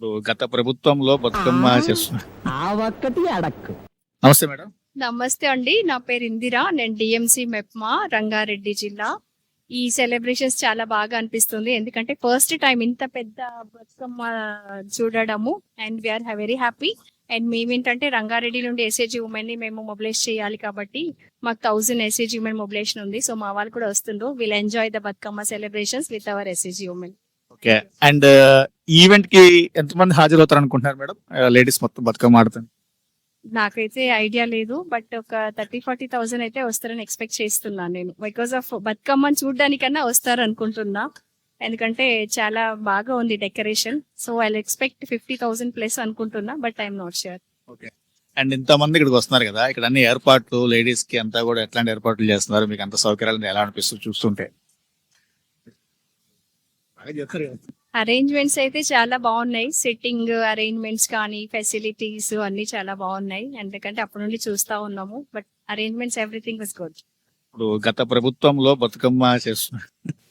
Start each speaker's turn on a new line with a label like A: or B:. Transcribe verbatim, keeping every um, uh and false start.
A: ఇప్పుడు గత ప్రభుత్వంలో బతుకమ్మ
B: ఆ
A: చేస్తున్నారు.
B: ఆ ఒక్కటి అడక్కు.
A: నమస్తే మేడం.
C: నమస్తే అండి. నా పేరు ఇందిరా. నేను డిఎంసి మెప్మా రంగారెడ్డి జిల్లా. ఈ సెలబ్రేషన్స్ చాలా బాగా అనిపిస్తుంది. ఎందుకంటే ఫస్ట్ టైం ఇంత పెద్ద బతుకమ్మ చూడడము and we are very happy. And మేమేంటంటే రంగారెడ్డి నుండి ఎస్ఏజీ ఉమెన్ ని మేము మొబిలైజ్ చేయాలి కాబట్టి మాకు థౌసండ్ ఎస్ఏజీ ఉమెన్ మొబిలైజేషన్ ఉంది. సో మా వాళ్ళు కూడా వస్తుండ్రు. Will enjoy the Bathukamma celebrations with our SAG women.
A: Okay. And event కి ఎంతమంది హాజరవుతారు అనుకుంటున్నారు మేడం? లేడీస్ మొత్తం బతుకమ్మ ఆడుతుంది.
C: నాకైతే ఐడియా లేదు. బట్ ఒక థర్టీ ఫార్టీ థౌసండ్ అయితే వస్తారని ఎక్స్పెక్ట్ చేస్తున్నాను నేను. బికాస్ ఆఫ్ బతుకమ్మని చూడడానికన్నా వస్తారు అనుకుంటున్నా. ఎందుకంటే చాలా బాగా ఉంది decoration. So I expect fifty thousand plus అనుకుంటున్నా. But I'm not sure.
A: Okay. And ఇంతమంది ఇక్కడికి వస్తున్నారు కదా, ఇక్కడ అన్ని ఏర్పాట్లు లేడీస్ కి అంతా కూడా ఎట్లాంటి ఏర్పాట్లు చేస్తున్నారు? మీకు అంత సౌకర్యాలు ఎలా అనిపిస్తుంది చూస్తుంటే? బాగా చెప్తారు కదా.
C: అరేంజ్మెంట్స్ అయితే చాలా బాగున్నాయి. సిట్టింగ్ అరేంజ్మెంట్స్ కానీ ఫెసిలిటీస్ అన్ని చాలా బాగున్నాయి. ఎందుకంటే అప్పటి నుండి చూస్తా ఉన్నాము. But arrangements everything was good.
A: ఇప్పుడు గత ప్రభుత్వంలో బతుకమ్మ చేస్తున్నారు.